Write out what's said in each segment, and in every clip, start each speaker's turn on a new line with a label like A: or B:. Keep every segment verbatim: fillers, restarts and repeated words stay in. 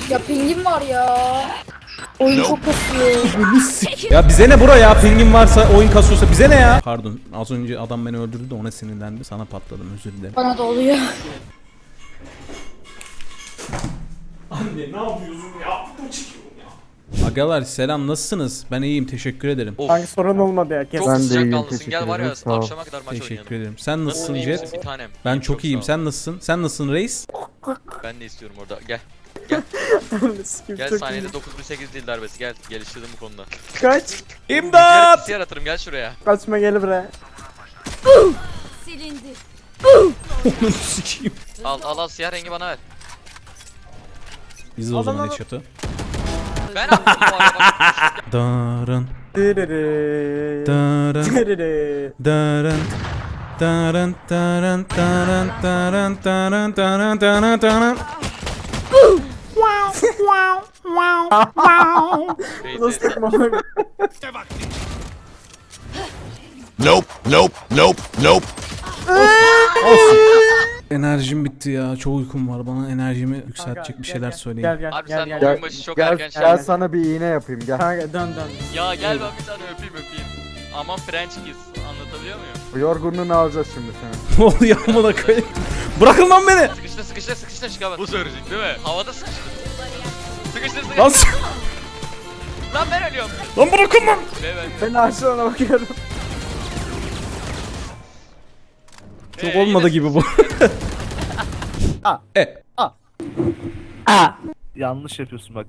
A: Ya pingim var ya. Oyun çok kasıyor.
B: Ya bize ne bura ya, pingin varsa oyun kasıyorsa bize ne ya? Pardon, az önce adam beni öldürdü de ona sinirlendi, sana patladım, özür dilerim.
A: Bana da oluyor.
B: Anne ne yapıyorsun ya? Agalar selam, nasılsınız? Ben iyiyim, teşekkür ederim.
C: Hangi sorun olmadı ya? Kes.
D: Çok
E: Ben de
D: sıcak
E: iyiyim,
D: kanlısın.
E: teşekkür
D: Gel var ya
E: ederim, sağ ol.
D: akşama kadar maç
B: Teşekkür
D: oynayalım.
B: ederim. Sen nasılsın
D: Nasılsın, iyi misin
B: Jet?
D: bir tanem?
B: Ben
D: İyiyim,
B: çok iyiyim.
D: sağ ol.
B: Sen nasılsın? Sen nasılsın reis?
D: Ben de istiyorum orada. Gel.
C: Sikim
D: Gel
C: çok
D: saniyede
C: iyi.
D: dokuz bin sekiz dil darbesi. Gel. Geliştirdim bu konuda.
C: Kaç.
B: İmdat!
D: Gel yaratırım. Gel şuraya.
C: Kaçma gel buraya.
A: Silindi.
B: Onu sikeyim.
D: Al al al siyah rengi bana ver.
B: Biz de o
C: Al,
B: zaman
C: al, al.
B: headshot'ı.
D: Ben attım bu arada.
B: Darın,
C: Dırırı.
B: darın,
C: Dırırı.
B: darın. Darın, darın, darın, darın, darın, darın, darın, darın.
C: Nasıl takma?
F: Nope, nope, nope, nope.
B: Olsun. Enerjim bitti ya. Çok uykum var. Bana enerjimi yükseltecek bir şeyler söyleyin.
C: Gel gel
D: Abi
C: gel
D: sen
C: gel.
D: oyun
C: Gel,
D: başı çok
E: Gel,
D: erken
E: gel
D: şey.
E: sana bir iğne yapayım gel.
C: Kanka dön dön.
D: Ya gel ben bir tane öpeyim öpeyim. Aman French kiss. Anlatabiliyor muyum?
E: Bu yorgunluğunu alacağız şimdi seni.
B: Ne oluyor amına koyayım? Bırakın lan beni.
D: Sıkıştı sıkıştı sıkıştı çıkamaz. Bu söyleyecek değil mi? Havada sıkıştı. Sıkıştı sıkıştı.
B: Lan, s-
D: Lan ben ölüyorum.
B: lan bırakın lan.
D: Ve ben.
C: Ben aşağına bakıyorum.
B: Çok
D: Ee,
B: olmadı
D: yine
B: gibi bu. E.
G: Yanlış yapıyorsun bak.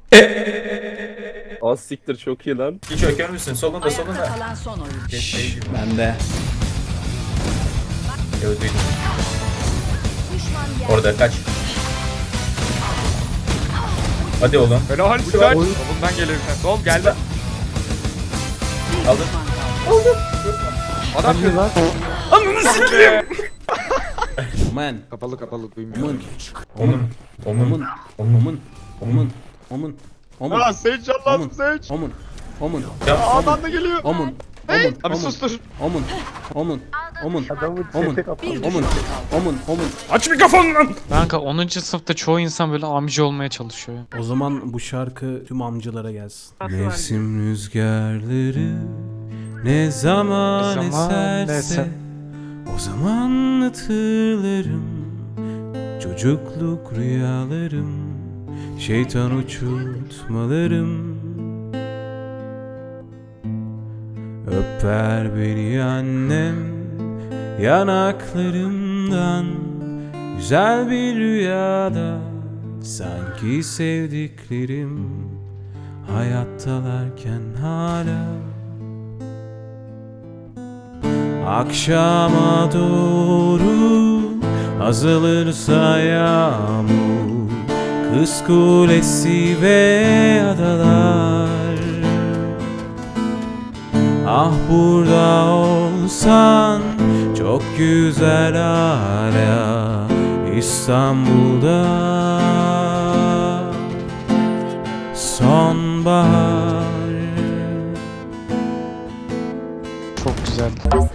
H: Az siktir çok iyi lan.
I: Hiç öker misin? Solunda solunda.
A: Kalan son oyun.
B: Ben de.
I: Öldüydüm.
A: Düşman yer.
I: Orada kaç. Hadi oğlum.
G: Helal güzel. Solundan geliyor bir tane. Sol geldi.
I: Aldın.
G: Adam
E: lan.
B: Ananı sikeyim. Man.
E: Kapalı kapalı duymuyorum.
B: Omun.
I: Onun.
B: Omun.
I: Onun.
B: Omun. Omun. Omun. Omun.
G: Lan Sage
B: Omun.
G: Allah'ım Sage.
B: Omun. Omun.
I: Ya
G: Adam da geliyor.
B: Omun. Omun.
G: Abi
B: Omun.
G: sustur.
B: Omun. Omun. Omun.
C: Adamı
B: Omun.
C: çete kapalı.
B: Omun. Omun. Omun. Aç mikrofonu lan.
J: Kanka onuncu sınıfta çoğu insan böyle amca olmaya çalışıyor.
B: O zaman bu şarkı tüm amcalara gelsin. Mevsim rüzgarları ne zaman,
J: Ne zaman
B: eserse
J: eser.
B: o zaman hatırlarım çocukluk rüyalarım, şeytan uçurtmalarım. Öper beni annem yanaklarımdan, güzel bir rüyada sanki sevdiklerim hayattalarken hala. Akşama doğru azalırsa yağmur, kız kulesi ve adalar. Ah burada olsan çok güzel hala İstanbul'da sonbahar.
J: Çok güzel.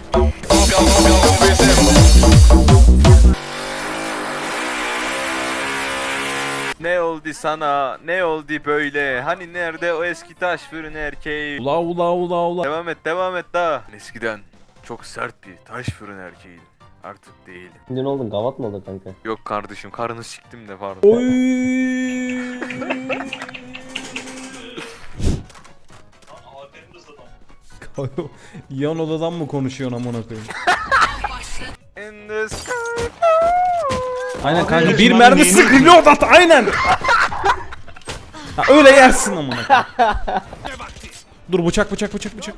H: Ne oldu sana? Ne oldu böyle? Hani nerede o eski taş fırın erkeği?
B: Ula ula ula ula.
H: Devam et, devam et daha. Eskiden çok sert bir taş fırın erkeğiydim. Artık değilim.
K: Ne oldun? Gavat mı oldu kanka?
H: Yok kardeşim, karını siktim de pardon.
B: Oy. Yan odadan mı konuşuyorsun amına koyayım?
H: In the sky.
B: Aynen kanka, bir mermi sıkıyor da aynen. Ha, öyle yersin amına koyayım. Dur, bıçak bıçak bıçak bıçak.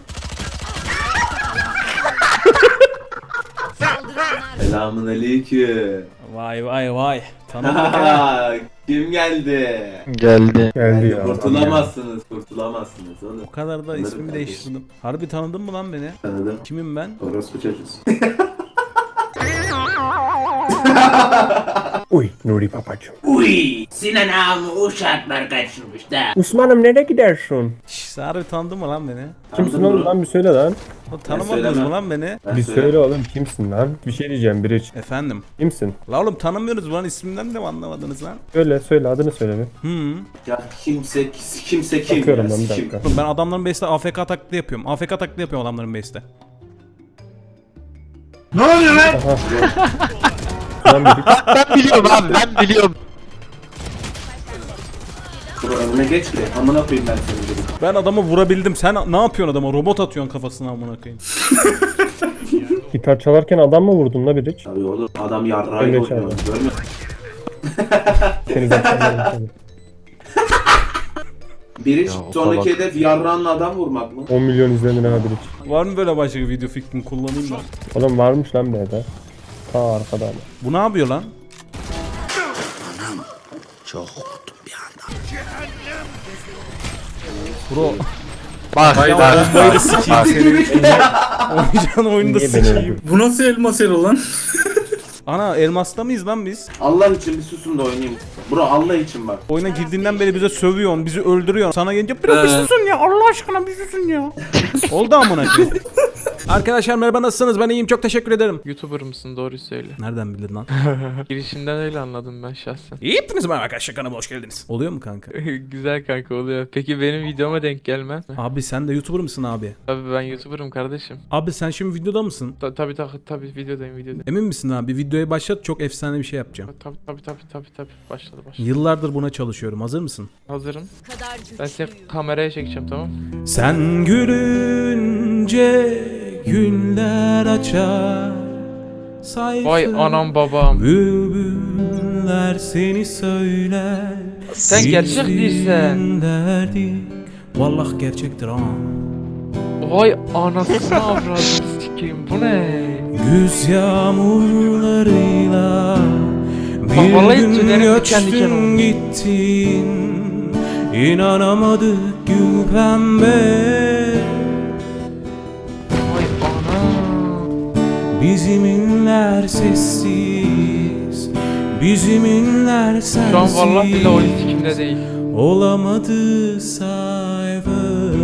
K: Selamun aleyküm.
B: Vay vay vay. Tanıdık.
K: Kim geldi?
J: Geldi.
E: Geldi ya.
K: Kurtulamazsınız, kurtulamazsınız oğlum.
B: O kadar da
K: Tanıdım
B: ismimi
K: kardeşim.
B: değiştirdim. Harbi tanıdın mı lan beni?
K: Tanıdım.
B: Kimim ben?
K: Orospu çocuğuz.
E: Uy Nuri babacım.
K: Uy, Sinan ağamı uşaklar kaçırmış da.
E: Osman'ım nereye gidersin?
B: Şşş harbi tanıdın mı lan beni?
E: Kimsin oğlum lan bir söyle lan.
B: O tanımadınız mı lan beni?
E: Bir söyle oğlum kimsin lan? Bir şey diyeceğim biri için.
B: Efendim.
E: Kimsin?
B: La oğlum tanımıyorsunuz lan, ismimden de mi anlamadınız lan?
E: Söyle söyle adını söyle bir.
B: Hı.
K: Ya kimse kimse kim
E: Bakıyorum
K: ya,
E: ben bir
K: kim?
E: dakika.
B: Ben adamların base'te A F K taklidi yapıyorum. A F K taklidi yapıyorum adamların base'te.
E: Lan biri.
J: Ben biliyorum abi ben biliyorum.
K: Bro önüne geç ki. Amına koyayım ben seni dedim.
B: Ben adamı vurabildim. Sen ne yapıyorsun adama? Robot atıyorsun kafasına amına koyayım.
E: Gitar çalarken adam mı vurdun la biri?
K: Tabii oğlum adam yarrağıyla
E: Öyle
K: oynuyor.
E: çaldı.
K: Görmüyor musun?
E: Seni zaten
K: Biri sonraki hedef yarrağınla adam vurmak mı?
E: on milyon izlenir ha biri.
B: Var mı böyle başka bir video fikrini kullanayım ben?
E: Oğlum varmış lan bir de. Ta arkada ama.
B: Bu ne yapıyor lan? Bro.
J: Bak
B: Ya bombayı da sikeyim seni. Oynayacağın oyunu da
E: Niye beni
B: sikeyim.
E: öldürdün?
G: Bu nasıl elmas elo lan?
B: Ana elmasta mıyız lan biz?
K: Allah için bir susun da oynayayım. Bro Allah için bak.
B: Oyuna girdiğinden beri bize sövüyorsun, bizi öldürüyorsun. Sana gelince bırak bir susun ya, Allah aşkına bir susun ya. Oldu amına koyayım. Arkadaşlar merhaba, nasılsınız? Ben iyiyim, çok teşekkür ederim.
J: YouTuber mısın doğruyu söyle.
B: Nereden bildin lan?
J: Girişinden öyle anladım ben şahsen.
B: İyi yaptınız mı arkadaşlar, kanalıma hoş geldiniz. Oluyor mu kanka?
J: Güzel kanka oluyor. Peki benim videoma denk gelmez mi?
B: Abi sen de YouTuber mısın abi?
J: Tabii ben YouTuber'ım kardeşim.
B: Abi sen şimdi videoda mısın?
J: Ta tabii tabii tabii videodayım videodayım.
B: Emin misin abi? Videoyu başlat, çok efsane bir şey yapacağım.
J: Tabii tabii tabii tabii tabii başladı başladı.
B: Yıllardır buna çalışıyorum. Hazır mısın?
J: Hazırım. Ben seni kameraya çekeceğim tamam.
B: Sen gülünce günler açar. Sayfa
J: Vay anam babam.
B: bülbüller seni söyler.
J: Sen gerçek değilsen.
B: Dinlerdik. Vallahi gerçektir ha.
J: Vay anasını avradını sikeyim bu ne?
B: Güz yağmurlarıyla
J: Bak
B: bir
J: vallahi
B: gün
J: tüylerim diken diken
B: göçtün
J: oldu.
B: gittin. İnanamadık gül pembe.
J: Vay ana.
B: Bizim inler sessiz, bizim inler sensiz.
J: Şu an vallahi bile oyun sikimde değil.
B: Olamadı sayfa.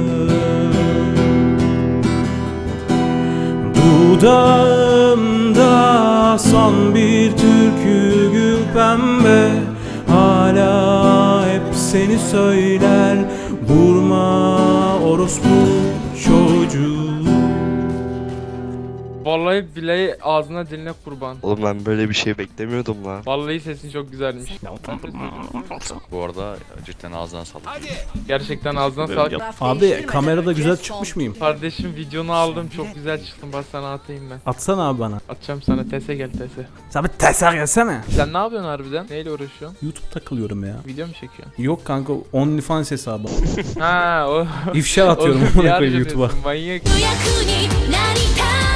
B: Dudağımda son bir türkü gül pembe. Hala hep seni söyler. Vurma orospu çocuğu.
J: Vallahi bile ağzına diline kurban.
H: Oğlum ben böyle bir şey beklemiyordum lan.
J: Vallahi sesin çok güzelmiş.
D: Bu arada cidden ağzına sağlık.
J: Gerçekten ağzına sağlık.
B: Abi kamerada güzel çıkmış mıyım?
J: Kardeşim videonu aldım çok güzel çıktın bak sana atayım ben.
B: Atsana abi bana.
J: Atacağım sana tese gel tese.
B: Sen bir teser gelsene.
J: Sen ne yapıyorsun harbiden? Neyle uğraşıyorsun?
B: YouTube takılıyorum ya.
J: Video mu çekiyorsun?
B: Yok kanka, OnlyFans hesabı.
J: Ha o.
B: İfşa atıyorum
J: Oğlum,
B: amına
J: yar
B: koyayım YouTube'a.
J: yapıyorsun, Manyak.
A: 役になりたい